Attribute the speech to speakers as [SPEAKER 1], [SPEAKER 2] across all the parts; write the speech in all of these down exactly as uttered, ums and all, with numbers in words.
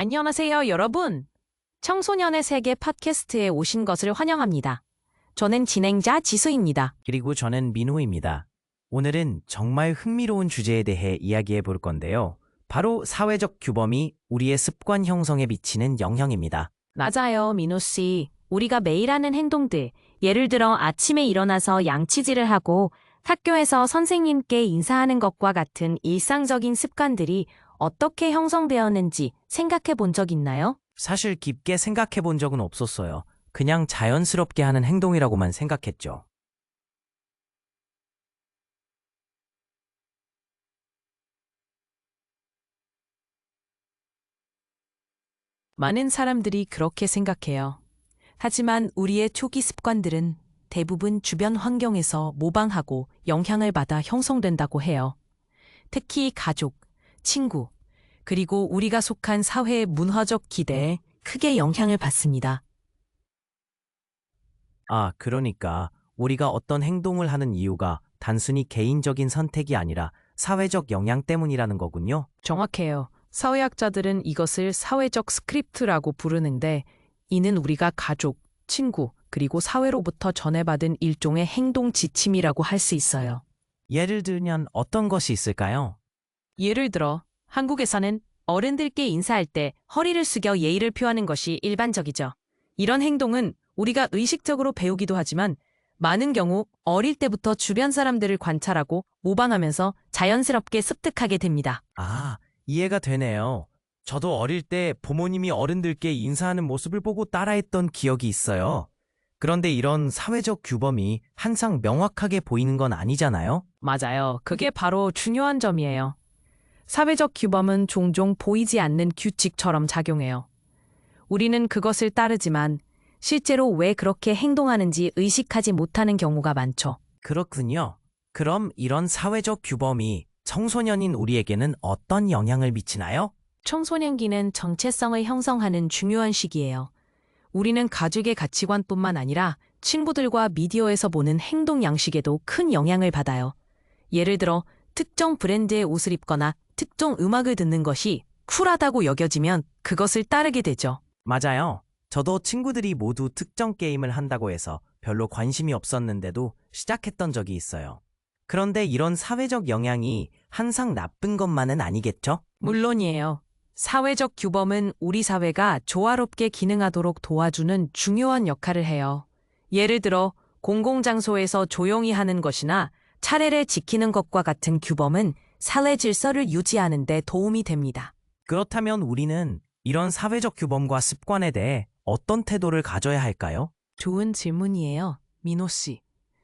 [SPEAKER 1] 안녕하세요, 여러분. 청소년의 세계 팟캐스트에 오신 것을 환영합니다. 저는 진행자 지수입니다.
[SPEAKER 2] 그리고 저는 민호입니다. 오늘은 정말 흥미로운 주제에 대해 이야기해 볼 건데요. 바로 사회적 규범이 우리의 습관 형성에 미치는 영향입니다.
[SPEAKER 1] 맞아요, 민호 씨. 우리가 매일 하는 행동들, 예를 들어 아침에 일어나서 양치질을 하고 학교에서 선생님께 인사하는 것과 같은 일상적인 습관들이 어떻게 형성되었는지 생각해 본 적 있나요?
[SPEAKER 2] 사실 깊게 생각해 본 적은 없었어요. 그냥 자연스럽게 하는 행동이라고만 생각했죠.
[SPEAKER 1] 많은 사람들이 그렇게 생각해요. 하지만 우리의 초기 습관들은 대부분 주변 환경에서 모방하고 영향을 받아 형성된다고 해요. 특히 가족, 친구, 그리고 우리가 속한 사회의 문화적 기대에 크게 영향을 받습니다.
[SPEAKER 2] 아, 그러니까 우리가 어떤 행동을 하는 이유가 단순히 개인적인 선택이 아니라 사회적 영향 때문이라는 거군요.
[SPEAKER 1] 정확해요. 사회학자들은 이것을 사회적 스크립트라고 부르는데, 이는 우리가 가족, 친구, 그리고 사회로부터 전해받은 일종의 행동 지침이라고 할 수 있어요.
[SPEAKER 2] 예를 들면 어떤 것이 있을까요?
[SPEAKER 1] 예를 들어, 한국에서는 어른들께 인사할 때 허리를 숙여 예의를 표하는 것이 일반적이죠. 이런 행동은 우리가 의식적으로 배우기도 하지만 많은 경우 어릴 때부터 주변 사람들을 관찰하고 모방하면서 자연스럽게 습득하게 됩니다.
[SPEAKER 2] 아, 이해가 되네요. 저도 어릴 때 부모님이 어른들께 인사하는 모습을 보고 따라했던 기억이 있어요. 그런데 이런 사회적 규범이 항상 명확하게 보이는 건 아니잖아요?
[SPEAKER 1] 맞아요. 그게 바로 중요한 점이에요. 사회적 규범은 종종 보이지 않는 규칙처럼 작용해요. 우리는 그것을 따르지만 실제로 왜 그렇게 행동하는지 의식하지 못하는 경우가 많죠.
[SPEAKER 2] 그렇군요. 그럼 이런 사회적 규범이 청소년인 우리에게는 어떤 영향을 미치나요?
[SPEAKER 1] 청소년기는 정체성을 형성하는 중요한 시기예요. 우리는 가족의 가치관뿐만 아니라 친구들과 미디어에서 보는 행동 양식에도 큰 영향을 받아요. 예를 들어 특정 브랜드의 옷을 입거나 특정 음악을 듣는 것이 쿨하다고 여겨지면 그것을 따르게 되죠.
[SPEAKER 2] 맞아요. 저도 친구들이 모두 특정 게임을 한다고 해서 별로 관심이 없었는데도 시작했던 적이 있어요. 그런데 이런 사회적 영향이 항상 나쁜 것만은 아니겠죠?
[SPEAKER 1] 물론이에요. 사회적 규범은 우리 사회가 조화롭게 기능하도록 도와주는 중요한 역할을 해요. 예를 들어 공공장소에서 조용히 하는 것이나 차례를 지키는 것과 같은 규범은 사회 질서를 유지하는 데 도움이 됩니다.
[SPEAKER 2] 그렇다면 우리는 이런 사회적 규범과 습관에 대해 어떤 태도를 가져야 할까요?
[SPEAKER 1] 좋은 질문이에요, 민호 씨.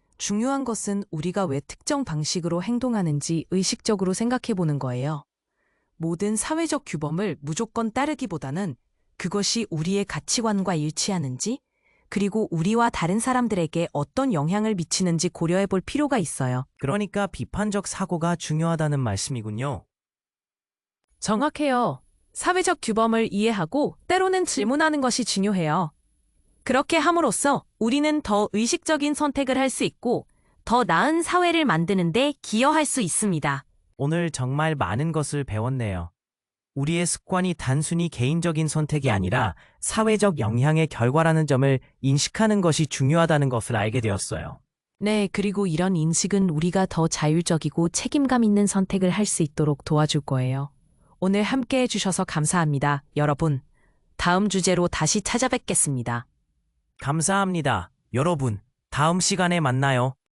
[SPEAKER 1] 중요한 것은 우리가 왜 특정 방식으로 행동하는지 의식적으로 생각해 보는 거예요. 모든 사회적 규범을 무조건 따르기보다는 그것이 우리의 가치관과 일치하는지, 그리고 우리와 다른 사람들에게 어떤 영향을 미치는지 고려해 볼 필요가 있어요.
[SPEAKER 2] 그러니까 비판적 사고가 중요하다는 말씀이군요.
[SPEAKER 1] 정확해요. 사회적 규범을 이해하고 때로는 질문하는 것이 중요해요. 그렇게 함으로써 우리는 더 의식적인 선택을 할 수 있고 더 나은 사회를 만드는 데 기여할 수 있습니다.
[SPEAKER 2] 오늘 정말 많은 것을 배웠네요. 우리의 습관이 단순히 개인적인 선택이 아니라 사회적 영향의 결과라는 점을 인식하는 것이 중요하다는 것을 알게 되었어요.
[SPEAKER 1] 네, 그리고 이런 인식은 우리가 더 자율적이고 책임감 있는 선택을 할 수 있도록 도와줄 거예요. 오늘 함께 해주셔서 감사합니다, 여러분. 다음 주제로 다시 찾아뵙겠습니다.
[SPEAKER 2] 감사합니다. 여러분, 다음 시간에 만나요.